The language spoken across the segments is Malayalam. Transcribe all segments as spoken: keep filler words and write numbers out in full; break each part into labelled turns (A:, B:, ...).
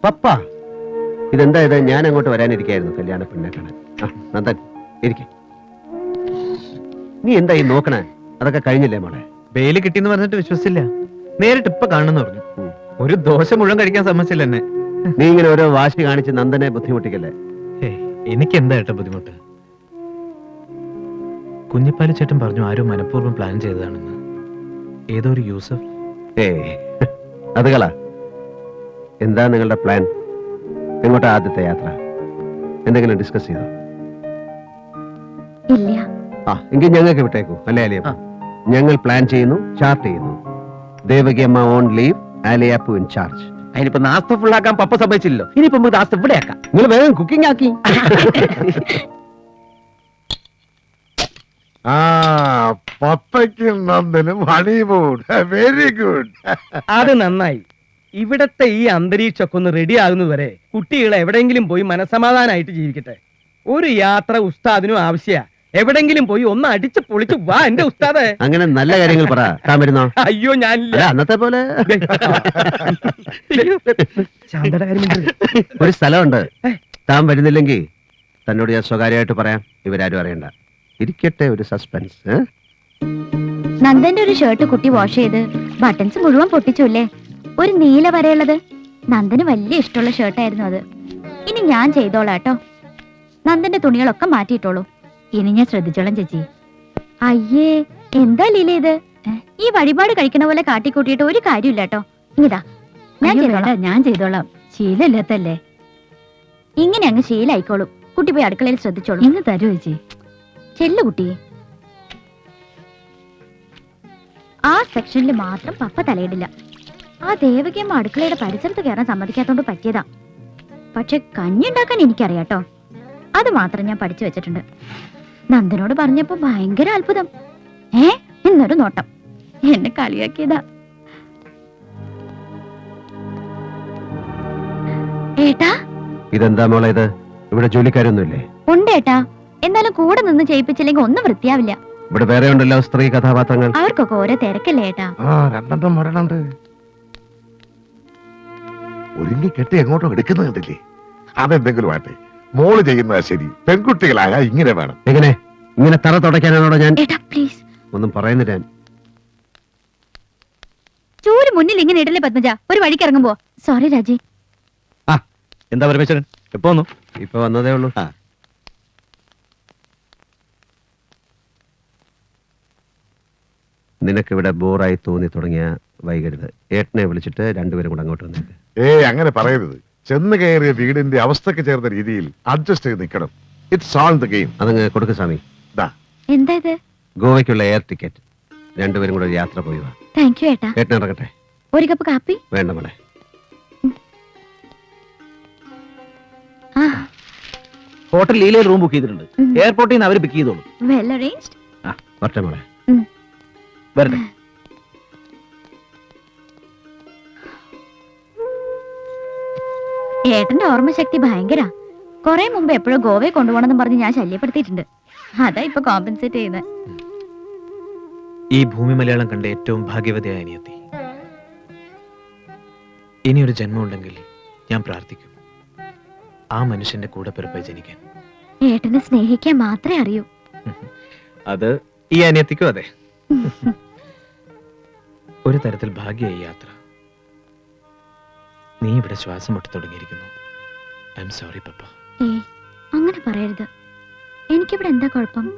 A: പപ്പ ഇതെന്താ ഇത്? ഞാൻ അങ്ങോട്ട് വരാനിരിക്കായിരുന്നു കല്യാണ പെണ്ണെ കാണാൻ. ആ നന്ദൻ ഇരിക്കെ. നീ എന്താ ഈ നോക്കണേ? അതൊക്കെ കഴിഞ്ഞില്ലേ മോളെ?
B: ബെയില് കിട്ടിന്ന് പറഞ്ഞിട്ട് വിശ്വസിച്ചില്ല. നേരിട്ട് ഇപ്പൊ കാണുന്നു പറഞ്ഞു. ഒരു ദോശ മുഴുവൻ കഴിക്കാൻ സമ്മതിച്ചില്ല എന്നെ.
A: നീ ഇങ്ങനെ ഓരോ വാശി കാണിച്ച് നന്ദനെ ബുദ്ധിമുട്ടിക്കല്ലേ.
B: എനിക്ക് എന്താ ഏട്ടാ ബുദ്ധിമുട്ട്? കുഞ്ഞിപ്പാലി ചേട്ടൻ പറഞ്ഞു ആരോ മനഃപൂർവ്വം പ്ലാൻ ചെയ്തതാണെന്ന്. ഏതോ ഒരു യൂസഫ്.
A: ഏ അത് കള. എന്താ നിങ്ങളുടെ പ്ലാൻ? എങ്ങോട്ടാ ആദ്യത്തെ യാത്ര? എന്തെങ്കിലും ഡിസ്കസ് ചെയ്തോ?
C: ഇല്ല.
A: ആ എങ്കിൽ ഞങ്ങൾക്ക് വിട്ടേക്കൂ അല്ലേ അലിയപ്പ? ഞങ്ങൾ പ്ലാൻ ചെയ്യുന്നു, ചാർട്ട് ചെയ്യുന്നു. ദേവകിയമ്മ ഓൺ ലീവ്, ആലിയപ്പു ഇൻ ചാർജ്.
D: അതിനിപ്പോ നാസ്ത ഫുള്ളാക്കാൻ പപ്പ സമ്മതിച്ചില്ലല്ലോ. ഇനിയിപ്പോ നമുക്ക് നാസ്ത ഇവിടെ ആക്കാം.
A: നിങ്ങൾ വേഗം കുക്കിംഗ് ആക്കി.
E: ആ പപ്പയ്ക്കും നന്ദനും ഹണിമൂൺ. Very good.
D: അത് നന്നായി. ഇവിടത്തെ ഈ അന്തരീക്ഷമൊക്കെ ഒന്ന് റെഡി ആകുന്നതുവരെ കുട്ടികളെ എവിടെയെങ്കിലും പോയി മനസമാധാനമായിട്ട് ജീവിക്കട്ടെ. ഒരു യാത്ര ഉസ്താദിനും ആവശ്യ. എവിടെങ്കിലും പോയി ഒന്ന് അടിച്ച് പൊളിച്ച് വാ എന്റെ ഉസ്താദെ.
A: അങ്ങനെ നല്ല കാര്യങ്ങൾ പറ. താൻ വരുന്നോ?
D: അയ്യോ ഞാനില്ല.
A: അല്ല, അന്നത്തെ പോലെ
D: ശാന്തയുടെ കാര്യം മിണ്ടരുത്.
A: ഒരു സ്ഥലമുണ്ട്. താൻ വരുന്നില്ലെങ്കിൽ തന്നോട് ഞാൻ സ്വകാര്യമായിട്ട് പറയാം. ഇവരാരും അറിയണ്ട. ഇരിക്കട്ടെ ഒരു സസ്പെൻസ്.
C: നന്ദന്റെ ഒരു ഷർട്ട് കുട്ടി വാഷ് ചെയ്ത് ബട്ടൺസ് മുഴുവൻ പൊട്ടിച്ചുല്ലേ. ഒരു നീല വരയുള്ളത്. നന്ദന് വലിയ ഇഷ്ടമുള്ള ഷർട്ടായിരുന്നു അത്. ഇനി ഞാൻ ചെയ്തോളാട്ടോ. നന്ദന്റെ തുണികളൊക്കെ മാറ്റിയിട്ടോളൂ. ഇനി ഞാൻ ശ്രദ്ധിച്ചോളാം ചേച്ചി. അയ്യേ എന്താ ലീല ഇത്? ഈ വഴിപാട് കഴിക്കണ പോലെ കാട്ടിക്കൂട്ടിയിട്ട് ഒരു കാര്യമില്ല കേട്ടോ. ഇതാ ഞാൻ ചെയ്തോളാം. ഞാൻ ചെയ്തോളാം. ശീലമില്ലാത്തല്ലേ. ഇങ്ങനെ അങ്ങ് ശീലായിക്കോളും. കുട്ടി പോയി അടുക്കളയിൽ ശ്രദ്ധിച്ചോളൂ. ഇന്ന് തരൂ ചേച്ചി. ചെല്ലു കുട്ടി. ആ സെക്ഷനിൽ മാത്രം പപ്പ തലയിടില്ല. ആ ദേവകിയമ്മ അടുക്കളയുടെ പരിസരത്ത് കയറാൻ സമ്മതിക്കാത്തോണ്ട് പറ്റിയതാ. പക്ഷെ കഞ്ഞി ഉണ്ടാക്കാൻ എനിക്കറിയാട്ടോ. അത് മാത്രം ഞാൻ പഠിച്ചു വെച്ചിട്ടുണ്ട്. നന്ദനോട് പറഞ്ഞപ്പോ ഭയങ്കര അത്ഭുതം. ഏ എന്നൊരു നോട്ടം. എന്നെ കളിയാക്കിയതാ. ഏട്ടാ
A: ഇതെന്താ മോളെ ഇത്? ഇവിടെ ജോലിക്കാരൊന്നുമില്ലേ?
C: ഉണ്ട് ഏട്ടാ. എന്നാലും കൂടെ നിന്ന് ചെയ്യിപ്പിച്ചില്ലെങ്കിൽ ഒന്നും വൃത്തിയാവില്ല.
A: ഇവിടെ വേറെ ഉണ്ടല്ലോ സ്ത്രീ കഥാപാത്രങ്ങൾ.
C: അവർക്കൊക്കെ ഓരോ തിരക്കല്ലേ ഏട്ടാ.
E: ആ രണ്ടെണ്ണം വരണുണ്ട്. ഒരുങ്ങി കെട്ടി എങ്ങോട്ടോ എടുക്കുന്നത് കണ്ടില്ലേ? അതെന്തെങ്കിലും ആട്ടെ, മോള് ചെയ്യുന്നതാ ശരി. പെൺകുട്ടികളായ ഇങ്ങനെ വേണം.
A: എങ്ങനെ ഇങ്ങനെ തറ തുടയ്ക്കാനാണോ ഞാൻ?
C: ഏട്ടാ പ്ലീസ്.
A: ഒന്നും പറയുന്നില്ല ഞാൻ.
C: ചൂര് മുന്നിൽ ഇങ്ങനെ ഇടല്ലേ പത്മജ. ഒരു വഴിക്ക് ഇറങ്ങുമ്പോ. സോറി രാജി.
B: എന്താ പരമേശ്വരൻ എപ്പോ വന്നു?
A: ഇപ്പൊ വന്നതേ ഉള്ളൂ. നിനക്കിവിടെ ബോറായി തോന്നി തുടങ്ങിയ വൈകരുത്. ഏട്ടനെ വിളിച്ചിട്ട് രണ്ടുപേരും കൂടെ അങ്ങോട്ട് വന്നേക്ക്.
E: ഏയ് അങ്ങനെ പറയരുത്. ചെന്ന് കയറിയ വീടിന്റെ അവസ്ഥക്ക് ചേർന്ന രീതിയിൽ അഡ്ജസ്റ്റ് ചെയ്ത് നിൽക്കണം. It's all the game.
A: അതങ്ങ് കൊടുക്ക് സ്വാമി.
C: എന്താ ഇത്?
A: ഗോവയ്ക്കുള്ള എയർ ടിക്കറ്റ്. രണ്ടുപേരും കൂടെ ഒരു യാത്ര പോയി വാ.
C: താങ്ക് യു ഏട്ടാ.
A: ഏട്ടൻ ഇറങ്ങട്ടെ?
C: ഒരു കപ്പ് കാപ്പി
A: വേണ്ട മോളെ.
C: ആ
D: ഹോട്ടൽ ലീലയിൽ റൂം ബുക്ക് ചെയ്തിട്ടുണ്ട്. എയർപോർട്ടിൽ നിന്ന് അവർ ബുക്ക് ചെയ്തോളൂ.
C: Well arranged.
A: ആ വരട്ടെ മോളെ.
D: വരട്ടെ.
C: ഏട്ടന്റെ ഓർമ്മശക്തി ഭയങ്കര. കൊറേ മുമ്പ് എപ്പോഴും ഗോവയെ കൊണ്ടുപോകണമെന്ന് പറഞ്ഞ് ഞാൻ ശല്യപ്പെടുത്തിയിട്ടുണ്ട്. അതാ ഇപ്പൊ കോമ്പൻസേറ്റ് ചെയ്യുന്നത്.
B: ഈ ഭൂമി മലയാളം കണ്ട ഏറ്റവും ഭാഗ്യവതിയായ അനിയത്തി. ഇനിയൊരു ജന്മം ഉണ്ടെങ്കിൽ ഞാൻ പ്രാർത്ഥിക്കും ആ മനുഷ്യന്റെ കൂടെ പിറപ്പായി ജനിക്കാൻ.
C: ഏട്ടനെ സ്നേഹിക്കാൻ മാത്രമേ അറിയൂ.
B: അത് ഈ അനിയത്തിക്കും അതെ. ഒരു തരത്തിൽ ഭാഗ്യമായി യാത്ര. നീ ഇവിടെ ശ്വാസം മുട്ടി തുടങ്ങിയിരിക്കുന്നു. I am sorry papa.
C: ഏ അങ്ങനെ പറയരുത്. എനിക്കിവിടെ എന്താ കുഴപ്പം?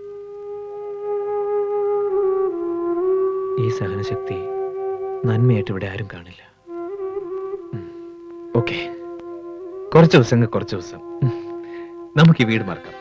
B: ഈ സഹനശക്തി നന്മയായിട്ട് ഇവിടെ ആരും കാണില്ല. ഓക്കെ, കുറച്ച് ദിവസം കുറച്ച് ദിവസം നമുക്ക് ഈ വീട് മറക്കാം.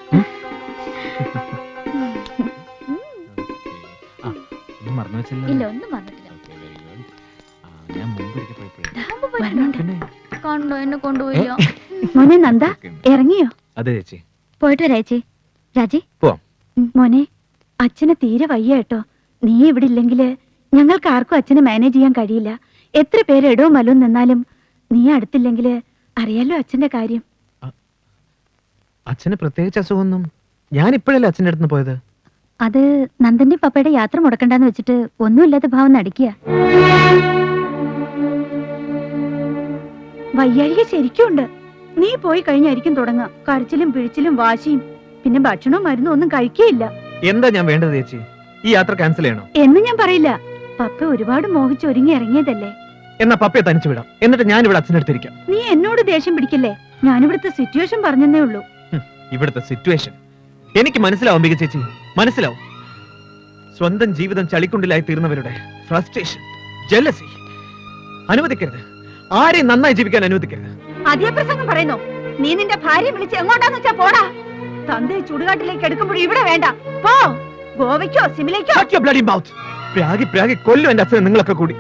B: മറന്നു വെച്ചില്ല.
C: ഇല്ല ഒന്നും വന്നിട്ടില്ല.
B: ഞാൻ മുമ്പ്
C: കൊണ്ടോ എന്നെ കൊണ്ടുപോയില്ലോ. മോനെ നന്ദ ഇറങ്ങിയോ?
B: അതെ ചേച്ചി.
C: പോയിട്ട് വരാ ചേച്ചി. രാജി
B: പോവാം.
C: മോനെ അച്ഛന് തീരെ വയ്യ കേട്ടോ. നീ ഇവിടെ ഇല്ലെങ്കില് ഞങ്ങൾക്ക് ആർക്കും അച്ഛനെ മാനേജ് ചെയ്യാൻ കഴിയില്ല. എത്ര പേര് ഇടവും മലവും നിന്നാലും നീ അടുത്തില്ലെങ്കില് അറിയാലോ അച്ഛന്റെ കാര്യം.
B: അച്ഛന് പ്രത്യേകിച്ച് അസുഖമൊന്നും. ഞാൻ ഇപ്പോഴല്ലേ അച്ഛൻ്റെ അടുത്ത് പോയത്.
C: അത് നന്ദന്റെ പപ്പയുടെ യാത്ര മുടക്കണ്ടെന്ന് വെച്ചിട്ട് ഒന്നുമില്ലാത്ത ഭാവം നടിക്കുക.
F: വയ്യാഴിക ശരിക്കും ഉണ്ട്. നീ പോയി കഴിഞ്ഞായിരിക്കും തുടങ്ങുക കരച്ചിലും പിഴിച്ചിലും വാശിയും. പിന്നെ ഭക്ഷണവും മരുന്നും ഒന്നും കഴിക്കുകയില്ല.
B: എന്താ ഞാൻ വേണ്ടത് ചേച്ചി? ഈ യാത്ര ക്യാൻസൽ ചെയ്യണോ?
F: എന്ന് ഞാൻ പറയില്ല. പപ്പ ഒരുപാട് മോഹിച്ചൊരുങ്ങി ഇറങ്ങിയതല്ലേ.
B: എന്നാ പപ്പയെ തനിച്ചു വിടാം. എന്നിട്ട് ഞാൻ ഇവിടെ അച്ഛനടുത്തിരിക്കാം.
F: നീ എന്നോട് ദേഷ്യം പിടിക്കില്ലേ? ഞാനിവിടുത്തെ സിറ്റുവേഷൻ പറഞ്ഞതേ ഉള്ളൂ.
B: ഇവിടുത്തെ സിറ്റുവേഷൻ എനിക്ക് മനസ്സിലാവും ബിക ചേച്ചി, മനസ്സിലാവും. സ്വന്തം ജീവിതം ചളിക്കുണ്ടിലായി തീർന്നവരുടെ ഫ്രസ്ട്രേഷൻ, ജലസി അനുവദിക്കരുത്. ആരെയും നന്നായി ജീവിക്കാൻ അനുവദിക്കരുത്.
F: അതേ പ്രസംഗം പറയുന്നു. നീ നിന്റെ ഭാര്യ വിളിച്ച് എങ്ങോട്ടാന്ന് വെച്ചാ പോടാ. തന്തയെ ചുടുകാട്ടിലേക്ക് എടുക്കുമ്പോഴും ഇവിടെ വേണ്ട. പോ, ഗോവയ്ക്കോ സിമിലേക്കോ.
B: Shut your bloody mouth. പ്രാഗി പ്രാഗി കൊല്ലും എന്റെ അച്ഛനെ നിങ്ങളൊക്കെ കൂടി.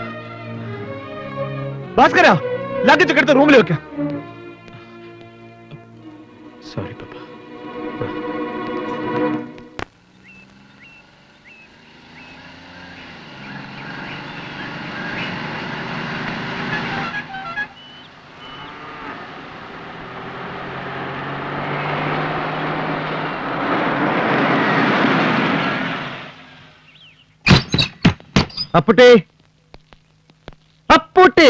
B: ഭാസ്കര, ലഗേജ് ഒക്കെ എടുത്ത് റൂമിൽ വെക്ക. സോറി പപ്പ.
A: അപ്പുട്ടേ, അപ്പുട്ടേ,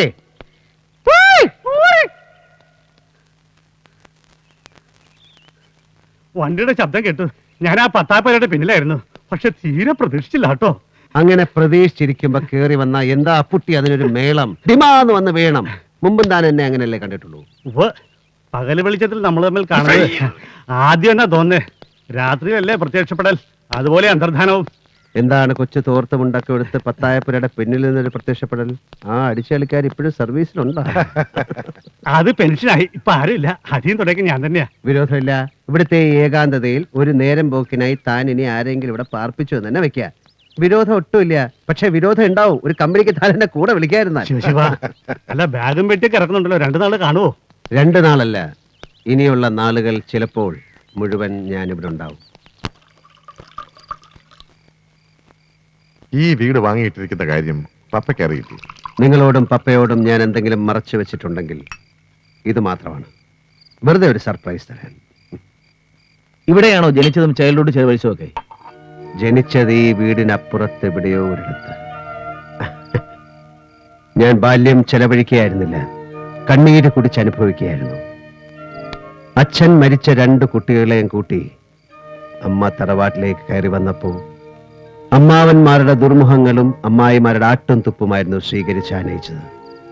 G: വണ്ടിയുടെ ശബ്ദം കേട്ടു. ഞാൻ ആ പത്താപ്പേരുടെ പിന്നിലായിരുന്നു. പക്ഷെ തീരെ പ്രതീക്ഷിച്ചില്ല കേട്ടോ.
A: അങ്ങനെ പ്രതീക്ഷിച്ചിരിക്കുമ്പോ കേറി വന്ന എന്താ അപ്പുട്ടി അതിനൊരു മേളം ഡിമാന്ന് വന്ന് വേണം. മുമ്പും താൻ എന്നെ അങ്ങനെയല്ലേ കണ്ടിട്ടുള്ളൂ.
G: ഉവ്വ്, പകല് വെളിച്ചത്തിൽ നമ്മൾ തമ്മിൽ കാണുന്നത് ആദ്യം എന്നാ തോന്നേ. രാത്രിയല്ലേ പ്രത്യക്ഷപ്പെടൽ, അതുപോലെ അന്തർധാനവും.
A: എന്താണ് കൊച്ചു തോർത്തുമുണ്ടൊക്കെ എടുത്ത് പത്തായപ്പുരയുടെ പിന്നിൽ നിന്നൊരു പ്രത്യക്ഷപ്പെടൽ? ആ അടിച്ചളിക്കാർ ഇപ്പോഴും സർവീസിലുണ്ടോ?
G: അത് പെൻഷനായി, ഇപ്പൊ ആരുമില്ല. അധികം തുടങ്ങി ഞാൻ തന്നെയാ.
A: വിരോധമില്ല. ഇവിടുത്തെ ഈ ഏകാന്തതയിൽ ഒരു നേരം പോക്കിനായി താൻ ഇനി ആരെങ്കിലും ഇവിടെ പാർപ്പിച്ചു എന്ന് തന്നെ വെക്കുക. വിരോധം ഒട്ടുമില്ല. പക്ഷെ വിരോധം ഉണ്ടാവും. ഒരു കമ്പനിക്ക് താൻ എന്നെ കൂടെ വിളിക്കാതിരുന്നാൽ.
G: ശിവ, അല്ല ബാഗും പെട്ടിയൊക്കെ ഇറക്കുന്നുണ്ടല്ലോ. രണ്ടു നാള് കാണുവോ?
A: രണ്ടു നാളല്ല, ഇനിയുള്ള നാളുകൾ ചിലപ്പോൾ മുഴുവൻ ഞാനിവിടെ ഉണ്ടാവും.
E: ഈ വീട് വാങ്ങിയിട്ടിരിക്കുന്ന കാര്യം പപ്പയ്ക്ക് അറിയില്ലേ?
A: നിങ്ങളോടും പപ്പയോടും ഞാൻ എന്തെങ്കിലും മറച്ചു വെച്ചിട്ടുണ്ടെങ്കിൽ ഇത് മാത്രമാണ്. വെറുതെ ഒരു സർപ്രൈസ് തരാൻ.
H: ഇവിടെയാണോ ജനിച്ചതും ചൈൽഡ്ഹുഡ് ചെലവഴിച്ചതും ഒക്കെ?
A: ജനിച്ചത് ഈ വീടിനപ്പുറത്ത് എവിടെയോ ഒരിടത്ത്. ഞാൻ ബാല്യം ചെലവഴിക്കുകയായിരുന്നില്ല, കണ്ണീര് കുടിച്ച് അനുഭവിക്കുകയായിരുന്നു. അച്ഛൻ മരിച്ച രണ്ട് കുട്ടികളെയും കൂട്ടി അമ്മ തറവാട്ടിലേക്ക് കയറി വന്നപ്പോ അമ്മാവന്മാരുടെ ദുർമുഖങ്ങളും അമ്മായിമാരുടെ ആട്ടും തുപ്പുമായിരുന്നു സ്വീകരിച്ച് ആനയിച്ചത്.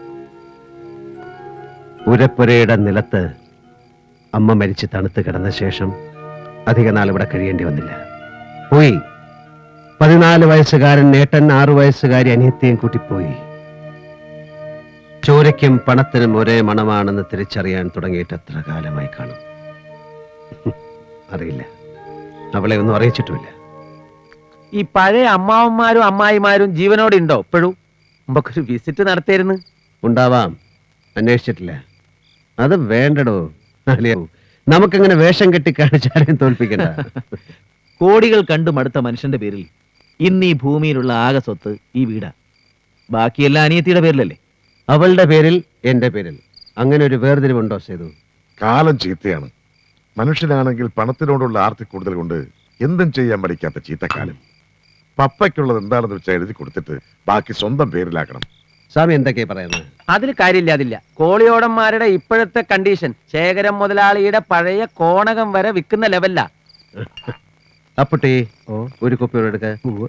A: ഉരപ്പുരയുടെ നിലത്ത് അമ്മ മരിച്ച് തണുത്ത് കിടന്ന ശേഷം അധിക നാൾ ഇവിടെ കഴിയേണ്ടി വന്നില്ല. പോയി. പതിനാല് വയസ്സുകാരൻ നേട്ടൻ, ആറു വയസ്സുകാരി അനിയത്തെയും കൂട്ടിപ്പോയി. ചോരയ്ക്കും പണത്തിനും ഒരേ മണമാണെന്ന് തിരിച്ചറിയാൻ തുടങ്ങിയിട്ട് എത്ര കാലമായി കാണും അറിയില്ല. അവളെ ഒന്നും അറിയിച്ചിട്ടുമില്ല.
H: ഈ പഴയ അമ്മാവന്മാരും അമ്മായിമാരും ജീവനോടെ ഉണ്ടോ ഇപ്പോഴും? നമുക്കൊരു വിസിറ്റ് നടത്തിയിരുന്നു.
A: ഉണ്ടാവാം, അന്വേഷിച്ചിട്ടില്ല. അത് വേണ്ടടോ. നമുക്കങ്ങനെ വേഷം കെട്ടി കാണിച്ചാലും തോൽപ്പിക്കണ്ട.
H: കോടികൾ കണ്ടു മടുത്ത മനുഷ്യന്റെ പേരിൽ ഇന്ന് ഈ ഭൂമിയിലുള്ള ആകെ സ്വത്ത് ഈ വീടാ. ബാക്കിയെല്ലാം അനിയത്തിയുടെ പേരിലല്ലേ?
A: അവളുടെ പേരിൽ, എന്റെ പേരിൽ. അങ്ങനെ ഒരു വേർതിരിവുണ്ടോ സേതു?
E: കാലം ചീത്തയാണ്. മനുഷ്യനാണെങ്കിൽ പണത്തിനോടുള്ള ആർത്തി കൂടുതൽ കൊണ്ട് എന്തും ചെയ്യാൻ പഠിക്കാത്ത ചീത്തക്കാലം. പപ്പയ്ക്കുള്ളത് എന്താണെന്ന് വെച്ചാൽ എഴുതി കൊടുത്തിട്ട് ബാക്കി സ്വന്തം പേരിലാക്കണം.
A: സ്വാമി എന്തൊക്കെയാ പറയുന്നത്?
H: അതിൽ കാര്യമില്ലാതില്ല. കോളിയോടന്മാരുടെ ഇപ്പോഴത്തെ കണ്ടീഷൻ ശേഖരം മുതലാളിയുടെ പഴയ കോണകം വരെ വിൽക്കുന്ന ലെവലിലാ.
A: അപ്പുട്ടി, ഒരു കുപ്പി എടുക്ക.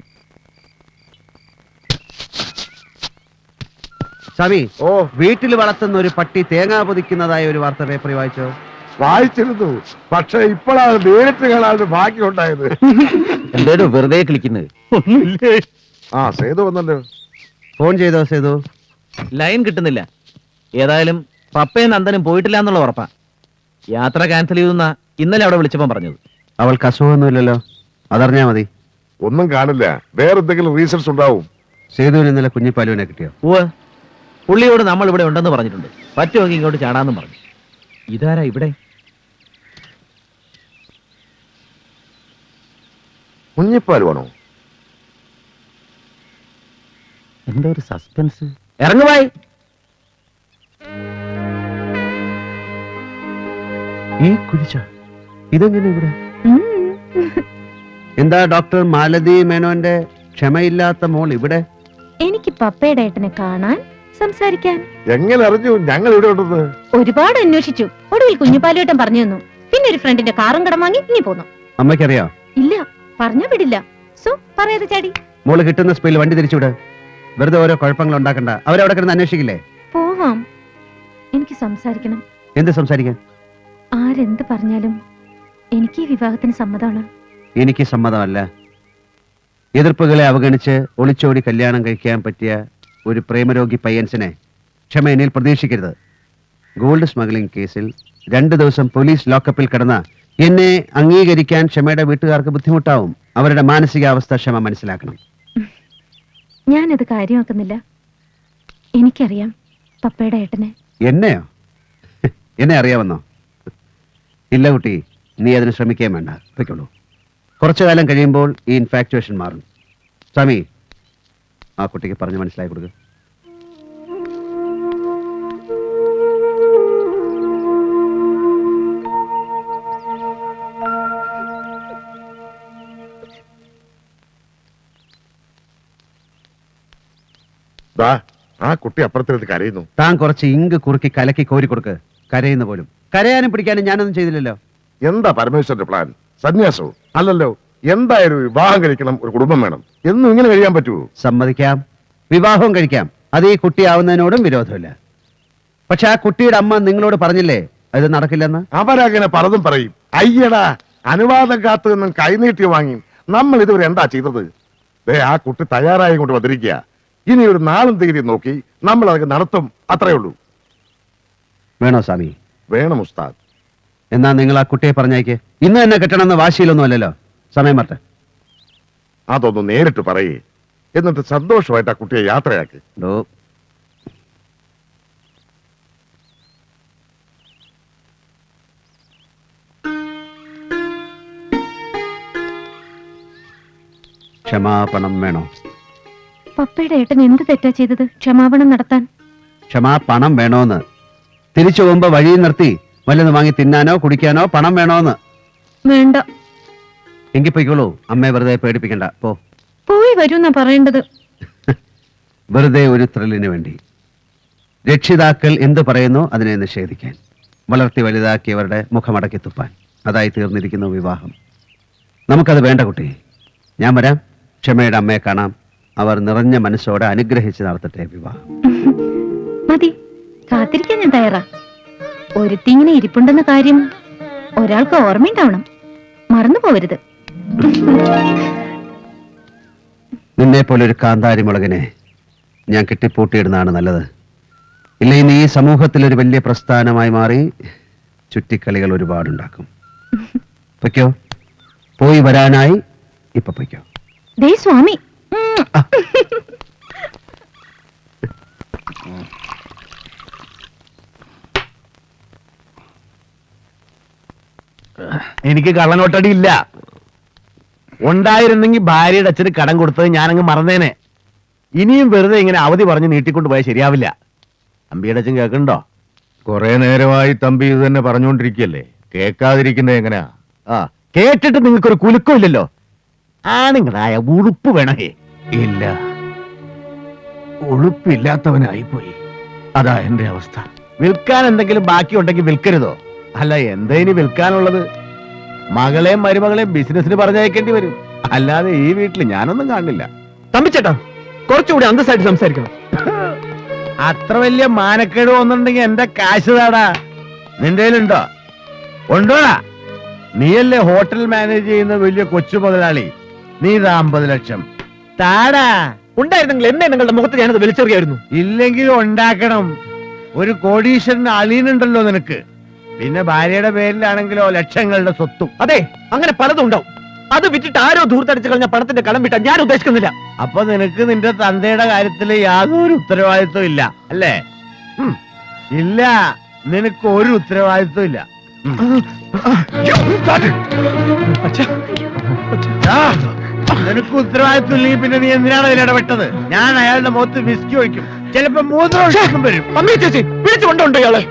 A: സ്വാമി,
E: ഓ,
A: വീട്ടിൽ വളർത്തുന്ന ഒരു പട്ടി തേങ്ങ പൊതിക്കുന്നതായ ഒരു വാർത്ത പേപ്പറിൽ വായിച്ചോ?
E: വായിച്ചിരുന്നു. പക്ഷെ ഇപ്പോഴാണ് നേരിട്ട് കാണാൻ ഭാഗ്യം ഉണ്ടായത്.
H: എന്തേലും വെറുതെ കളിക്കുന്നത്?
G: ഒന്നുമില്ലേ?
E: ആ, സേതു വന്നല്ലോ.
A: ഫോൺ ചെയ്തോ സേതു?
H: ലൈൻ കിട്ടുന്നില്ല. ഏതായാലും പപ്പയും നന്ദനും പോയിട്ടില്ല എന്നുള്ള ഉറപ്പാ. യാത്ര ക്യാൻസൽ ചെയ്തെന്നാ ഇന്നലെ അവിടെ വിളിച്ചപ്പോ പറഞ്ഞത്.
A: അവൾക്ക് അസുഖമൊന്നുമില്ലല്ലോ, അതറിഞ്ഞാ മതി.
E: ഒന്നും കാണില്ല, വേറെന്തെങ്കിലും റീസൺസ് ഉണ്ടാവും.
A: സേതുവിന് ഇന്നലെ കുഞ്ഞിപ്പാലുവിനെ കിട്ടിയോ?
H: ഓ, പുള്ളിയോട് നമ്മൾ ഇവിടെ ഉണ്ടെന്ന് പറഞ്ഞിട്ടുണ്ട്. പറ്റുമെങ്കിൽ ഇങ്ങോട്ട് ചാടാന്നും പറഞ്ഞു. ഇതാരാ ഇവിടെ?
E: കുഞ്ഞിപ്പാൽ വേണോ?
H: എന്താ ഒരു സസ്പെൻസ്? ഇറങ്ങുവായി.
A: ഈ കുരിച്ച ഇതെങ്ങനെ ഇവിടെ? എന്താ ഡോക്ടർ മാലതി മേനോന്റെ ക്ഷമയില്ലാത്ത മോൾ ഇവിടെ?
C: എനിക്ക് പപ്പയുടെ ഏട്ടനെ കാണാൻ സംസാരിക്കാൻ.
E: എങ്ങനെ അറിഞ്ഞു ഞങ്ങൾ ഇവിടെ ഉണ്ടെന്ന്?
C: ഒരുപാട് അന്വേഷിച്ചു. ഒടുവിൽ കുഞ്ഞുപാലുവേട്ടൻ പറഞ്ഞു തന്നു. പിന്നെ ഒരു ഫ്രണ്ടിന്റെ കാറും കടം വാങ്ങി ഇനി പോന്നു.
A: അമ്മയ്ക്കറിയോ?
C: ഇല്ല, പറഞ്ഞാ വിടില്ല. സോ പറയാതെ ചാടി.
A: മോള് കിട്ടുന്ന സ്പീഡിൽ വണ്ടി തിരിച്ചുവിട്. വെറുതെ ഓരോ കുഴപ്പങ്ങൾ ഉണ്ടാക്കണ്ട. അവരവിടെ കിടന്ന് അന്വേഷിക്കില്ലേ?
C: പോവാം. എനിക്ക് സംസാരിക്കണം.
A: എന്ത് സംസാരിക്കാൻ?
C: ആരെന്ത് പറഞ്ഞാലും എനിക്ക് ഈ വിവാഹത്തിന് സമ്മതമാണ്.
A: എനിക്ക് സമ്മതമല്ല. എതിർപ്പുകളെ അവഗണിച്ച് ഒളിച്ചോടി കല്യാണം കഴിക്കാൻ പറ്റിയ ഒരു പ്രേമരോഗി പയ്യൻസിനെ ക്ഷമ എന്നിൽ പ്രതീക്ഷിക്കരുത്. ഗോൾഡ് സ്മഗ്ലിംഗ് കേസിൽ രണ്ടു ദിവസം പോലീസ് ലോക്കപ്പിൽ കിടന്ന എന്നെ അംഗീകരിക്കാൻ ക്ഷമയുടെ വീട്ടുകാർക്ക് ബുദ്ധിമുട്ടാവും. അവരുടെ മാനസികാവസ്ഥ ക്ഷമ മനസ്സിലാക്കണം.
C: ഞാനത് കാര്യമാക്കുന്നില്ല. എനിക്കറിയാം പപ്പയുടെ ഏട്ടനെ.
A: എന്നെയോ? എന്നെ അറിയാമെന്നോ? ഇല്ല കുട്ടി, നീ അതിന് ശ്രമിക്കുകയും വേണ്ട. പൊയ്ക്കോളൂ. കുറച്ചു കാലം കഴിയുമ്പോൾ ഈ ഇൻഫാക്ച്വേഷൻ മാറും. സ്വാമി, ആ കുട്ടിക്ക് പറഞ്ഞ് മനസ്സിലാക്കി കൊടുക്കുക.
E: ദാ, ആ കുട്ടി അപ്പുറത്തിരുന്ന് കരയുന്നു.
A: താൻ കുറച്ച് ഇങ്ക് കുറുക്കി കലക്കി കോരി കൊടുക്ക്. കരയുന്ന പോലും. കരയാനും പിടിക്കാനും ഞാനൊന്നും ചെയ്തില്ലല്ലോ.
E: എന്താ പരമേശ്വരന്റെ പ്ലാൻ? സന്യാസവും അല്ലല്ലോ. എന്തായാലും വിവാഹം കഴിക്കണം, ഒരു കുടുംബം വേണം. എന്നും ഇങ്ങനെ കഴിയാൻ പറ്റുമോ?
A: സമ്മതിക്കാം, വിവാഹവും കഴിക്കാം. അത് ഈ കുട്ടിയാവുന്നതിനോടും വിരോധമില്ല. പക്ഷെ ആ കുട്ടിയുടെ അമ്മ നിങ്ങളോട് പറഞ്ഞില്ലേ അത് നടക്കില്ലെന്ന്?
E: അവരങ്ങനെ പലതും പറയും. അയ്യടാ, അനുവാദം കാത്തു നിന്നും കൈനീട്ടി വാങ്ങി നമ്മൾ ഇതുവരെ എന്താ ചെയ്തത്? ദേ, ആ കുട്ടി തയ്യാറായി കൊണ്ട് വന്നിരിക്കുക. ഇനി ഒരു നാളും തീയതി നോക്കി നമ്മൾ അതൊക്കെ നടത്തും. അത്രേ ഉള്ളൂ.
A: വേണോ സ്വാമി?
E: വേണം ഉസ്താദ്.
A: എന്നാ നിങ്ങൾ ആ കുട്ടിയെ പറഞ്ഞേക്ക്. ഇന്ന് തന്നെ കെട്ടണമെന്ന് വാശിയിലൊന്നും അല്ലല്ലോ. സമയം മറട്ടെ.
E: അതൊന്ന് നേരിട്ട് പറയേ. എന്നിട്ട് സന്തോഷമായിട്ട് ആ കുട്ടിയെ യാത്രയാക്കി.
A: ഡോ, ക്ഷമാപണം വേണോ?
C: പപ്പയുടെ ഏട്ടൻ എന്ത് തെറ്റാ ചെയ്തത് ക്ഷമാപണം നടത്താൻ?
A: ക്ഷമാപണം വേണോന്ന്. തിരിച്ചു പോകുമ്പോ വഴിയിൽ നിർത്തി വല്ലതും വാങ്ങി തിന്നാനോ കുടിക്കാനോ പണം വേണോന്ന്.
C: വേണ്ട.
A: എങ്കിൽ പൊയ്ക്കോളൂ. അമ്മയെ വെറുതെ പേടിപ്പിക്കണ്ട. പോ.
C: പോയി വരൂന്നാ പറയേണ്ടത്.
A: വെറുതെ ഒരു ത്രില്ലിന് വേണ്ടി. രക്ഷിതാക്കൾ എന്ത് പറയുന്നു അതിനെ നിഷേധിക്കാൻ, വളർത്തി വലുതാക്കിയവരുടെ മുഖമടക്കി തുപ്പാൻ. അതായി തീർന്നിരിക്കുന്നു വിവാഹം. നമുക്കത് വേണ്ട കുട്ടി. ഞാൻ വരാം. ക്ഷമയുടെ അമ്മയെ കാണാം. അവർ നിറഞ്ഞ മനസ്സോടെ അനുഗ്രഹിച്ച് നടത്തട്ടെ വിവാഹം.
C: മതി, കാത്തിരിക്കാൻ ഞാൻ തയ്യാറാ. ഒരുത്തിങ്ങനെ ഇരിപ്പുണ്ടെന്ന കാര്യം ഒരാൾക്ക് ഓർമ്മയുണ്ടാവണം. മറന്നു പോവരുത്.
A: നിന്നെ പോലെ ഒരു കാന്താരി മുളകിനെ ഞാൻ കെട്ടിപ്പൂട്ടിയിടുന്നതാണ് നല്ലത്. ഇല്ലെങ്കിൽ നീ ഈ സമൂഹത്തിൽ ഒരു വലിയ പ്രസ്ഥാനമായി മാറി ചുറ്റിക്കളികൾ ഒരുപാടുണ്ടാക്കും. പൊയ്ക്കോ. പോയി വരാനായി ഇപ്പൊ പൊയ്ക്കോ.
C: ദേ സ്വാമി. ഉം.
I: എനിക്ക് കള്ളനോട്ടടി ഇല്ല. ഉണ്ടായിരുന്നെങ്കിൽ ഭാര്യയുടെ അച്ഛന് കടം കൊടുത്തത് ഞാനങ്ങ് മറന്നേനെ. ഇനിയും വെറുതെ ഇങ്ങനെ അവധി പറഞ്ഞ് നീട്ടിക്കൊണ്ട് പോയാൽ ശരിയാവില്ല. തമ്പിയുടെ അച്ഛൻ കേൾക്കണ്ടോ?
J: കുറെ നേരമായി തമ്പി ഇത് തന്നെ പറഞ്ഞുകൊണ്ടിരിക്കല്ലേ, കേൾക്കാതിരിക്കുന്നത് എങ്ങനെയാ?
I: ആ, കേട്ടിട്ട് നിങ്ങൾക്കൊരു കുലുക്കം ഇല്ലല്ലോ. ആണുങ്ങളായ ഉളുപ്പ് വേണേ.
J: ഇല്ല, ഉളുപ്പില്ലാത്തവനായിപ്പോയി. അതാ എന്റെ അവസ്ഥ.
I: വിൽക്കാൻ എന്തെങ്കിലും ബാക്കി ഉണ്ടെങ്കിൽ വിൽക്കരുതോ? അല്ല, എന്താ ഇനി വിൽക്കാനുള്ളത്? മകളെയും മരുമകളെയും ബിസിനസിന് പറഞ്ഞയക്കേണ്ടി വരും. അല്ലാതെ ഈ വീട്ടിൽ ഞാനൊന്നും കാണില്ല.
B: തമ്പിച്ചേട്ടാ, കുറച്ചുകൂടി അന്തസ്സായിട്ട് സംസാരിക്കണം.
I: അത്ര വലിയ മാനക്കേട് വന്നിട്ടുണ്ടെങ്കിൽ എന്റെ കാശ് താടാ. നിന്റെ കയ്യിലുണ്ടോ? ഉണ്ടോടാ? നീയല്ലേ ഹോട്ടൽ മാനേജ് ചെയ്യുന്ന വലിയ കൊച്ചു മുതലാളി. നീ ഇതാ അമ്പത് ലക്ഷം താടാ.
B: ഉണ്ടായിരുന്നെങ്കിൽ എന്നെ നിങ്ങളുടെ മുഖത്ത് ഞാനത് വലിച്ചെറിയായിരുന്നു.
I: ഇല്ലെങ്കിലും ഉണ്ടാക്കണം. ഒരു കോടീശ്വരന് അളിയനുണ്ടല്ലോ നിനക്ക്. പിന്നെ ഭാര്യയുടെ പേരിലാണെങ്കിലോ ലക്ഷങ്ങളുടെ സ്വത്തും.
B: അതെ, അങ്ങനെ പലതും ഉണ്ടാവും. അത് വിറ്റിട്ട് ആരോ ധൂർത്തടിച്ച് കളഞ്ഞ പണത്തിന്റെ കടം വിട്ടാൻ ഞാൻ ഉദ്ദേശിക്കുന്നില്ല.
I: അപ്പൊ നിനക്ക് നിന്റെ തന്തയുടെ കാര്യത്തിൽ യാതൊരു ഉത്തരവാദിത്വം ഇല്ല അല്ലേ? ഉം. ഇല്ല, നിനക്ക് ഒരു ഉത്തരവാദിത്വം ഇല്ല. ആ, നിനക്ക് ഉത്തരവാദിത്വം ഇല്ലെങ്കിൽ പിന്നെ നീ എന്തിനാണ് അതിൽ ഇടപെട്ടത്? ഞാൻ അയാളുടെ മുഖത്ത് വിസ്കി ഒഴിക്കും. ചിലപ്പോ മൂത്രം വരും.
B: അമ്മേ ചേച്ചി, വിളിച്ചു കൊണ്ടുണ്ടോ ഇയാളെ?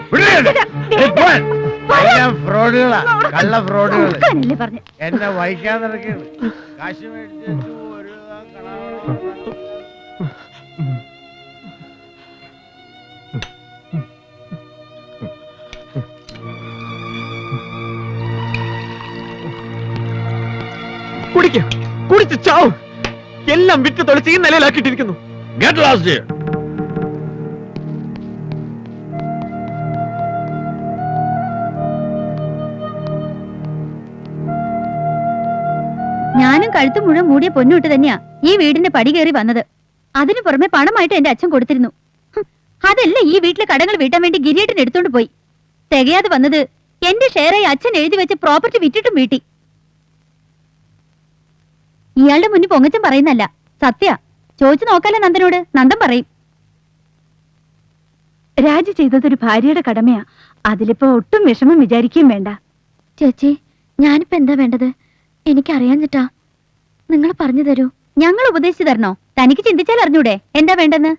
I: ഫ്രോഡുകളാ, കള്ള ഫ്രോഡുകൾ.
C: ഉറക്കാനല്ലേ പറഞ്ഞെ?
I: എന്നെ വഹിക്കാൻ നടക്കുകയാണ്. കാശ് മേടിച്ചു ഒരു.
B: കുടിക്ക കുടിച്ച് ചാവും. എല്ലാം വിറ്റ് തൊളിച്ച് ഈ നിലയിലാക്കിയിട്ടിരിക്കുന്നു.
I: Get last.
C: ഞാനും കഴുത്തു മുഴുവൻ മൂടിയ പൊന്നുവിട്ട് തന്നെയാ ഈ വീടിന്റെ പടി കയറി വന്നത്. അതിനു പുറമെ പണമായിട്ട് എന്റെ അച്ഛൻ കൊടുത്തിരുന്നു. ഹും, അതല്ല ഈ വീട്ടിലെ കടങ്ങൾ വീട്ടാൻ വേണ്ടി ഗിരിയേട്ടൻ എടുത്തോണ്ട് പോയി. തികയാതെ വന്നത് എന്റെ ഷെയറായി അച്ഛൻ എഴുതി വെച്ച് പ്രോപ്പർട്ടി വിറ്റിട്ടും വീട്ടി. ഇയാളുടെ മുന്നിൽ പൊങ്ങച്ചൻ പറയുന്നല്ല, സത്യ. ചോദിച്ചു നോക്കാലോ നന്ദനോട്, നന്ദൻ പറയും.
F: രാജി ചെയ്തതൊരു ഭാര്യയുടെ കടമയാ. അതിലിപ്പോ ഒട്ടും വിഷമം വിചാരിക്കുകയും വേണ്ട.
C: ചേച്ചി, ഞാനിപ്പോ എന്താ വേണ്ടത്? എനിക്കറിയാഞ്ഞിട്ടാ. നിങ്ങൾ പറഞ്ഞു തരൂ. ഞങ്ങൾ ഉപദേശിച്ചു തരണോ? തനിക്ക് ചിന്തിച്ചാൽ അറിഞ്ഞൂടെ എന്താ വേണ്ടെന്ന്?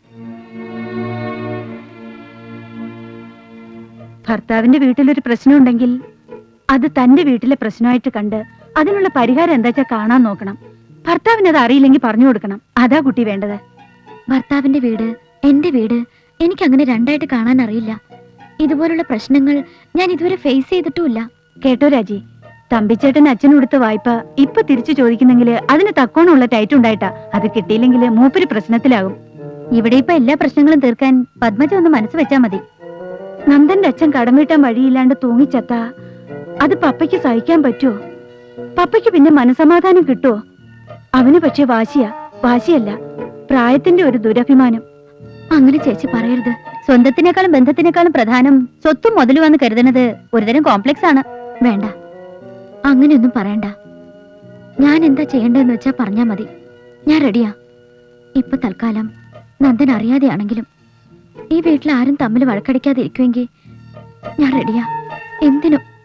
F: ഭർത്താവിന്റെ വീട്ടിലൊരു പ്രശ്നം ഉണ്ടെങ്കിൽ അത് തന്റെ വീട്ടിലെ പ്രശ്നമായിട്ട് കണ്ട് അതിനുള്ള പരിഹാരം എന്താ വെച്ചാൽ കാണാൻ നോക്കണം. ഭർത്താവിന് അത് അറിയില്ലെങ്കിൽ പറഞ്ഞു കൊടുക്കണം. അതാ കുട്ടി വേണ്ടത്.
C: ഭർത്താവിന്റെ വീട്, എന്റെ വീട്, എനിക്കങ്ങനെ രണ്ടായിട്ട് കാണാൻ അറിയില്ല. ഇതുപോലുള്ള പ്രശ്നങ്ങൾ ഞാൻ ഇതുവരെ ഫേസ് ചെയ്തിട്ടുമില്ല.
F: കേട്ടോ രാജി, തമ്പിച്ചേട്ടൻ അച്ഛൻ കൊടുത്ത വായ്പ ഇപ്പൊ തിരിച്ചു ചോദിക്കുന്നെങ്കിൽ അതിന് തക്കോണമുള്ള ടൈറ്റ് ഉണ്ടായിട്ടാ. അത് കിട്ടിയില്ലെങ്കിൽ മൂപ്പര് പ്രശ്നത്തിലാകും.
C: ഇവിടെ ഇപ്പൊ എല്ലാ പ്രശ്നങ്ങളും തീർക്കാൻ പത്മജ ഒന്ന് മനസ്സ് വെച്ചാ മതി.
F: നന്ദന്റെ അച്ഛൻ കടം വീട്ടാൻ വഴിയില്ലാണ്ട് തൂങ്ങിച്ചത്താ അത് പപ്പയ്ക്ക് സഹിക്കാൻ പറ്റുമോ? പപ്പയ്ക്ക് പിന്നെ മനസമാധാനം കിട്ടുമോ? അവന് പക്ഷെ വാശിയാ. വാശിയല്ല, പ്രായത്തിന്റെ ഒരു ദുരഭിമാനം.
C: അങ്ങനെ ചേച്ചി പറയരുത്. സ്വന്തത്തിനേക്കാളും ബന്ധത്തിനേക്കാളും പ്രധാനം സ്വത്തും മുതലുവാന്ന് കരുതുന്നത് ഒരുതരം കോംപ്ലക്സ് ആണ്. വേണ്ട, അങ്ങനെയൊന്നും പറയണ്ട. ഞാൻ എന്താ ചെയ്യേണ്ടതെന്ന് വെച്ചാ പറഞ്ഞാ മതി. ഞാൻ റെഡിയാ. ഇപ്പൊ തൽക്കാലം നന്ദൻ അറിയാതെയാണെങ്കിലും ഈ വീട്ടിൽ ആരും തമ്മിൽ വഴക്കടിക്കാതെ ഇരിക്കുമെങ്കിൽ ഞാൻ റെഡിയാ. എന്തിനും.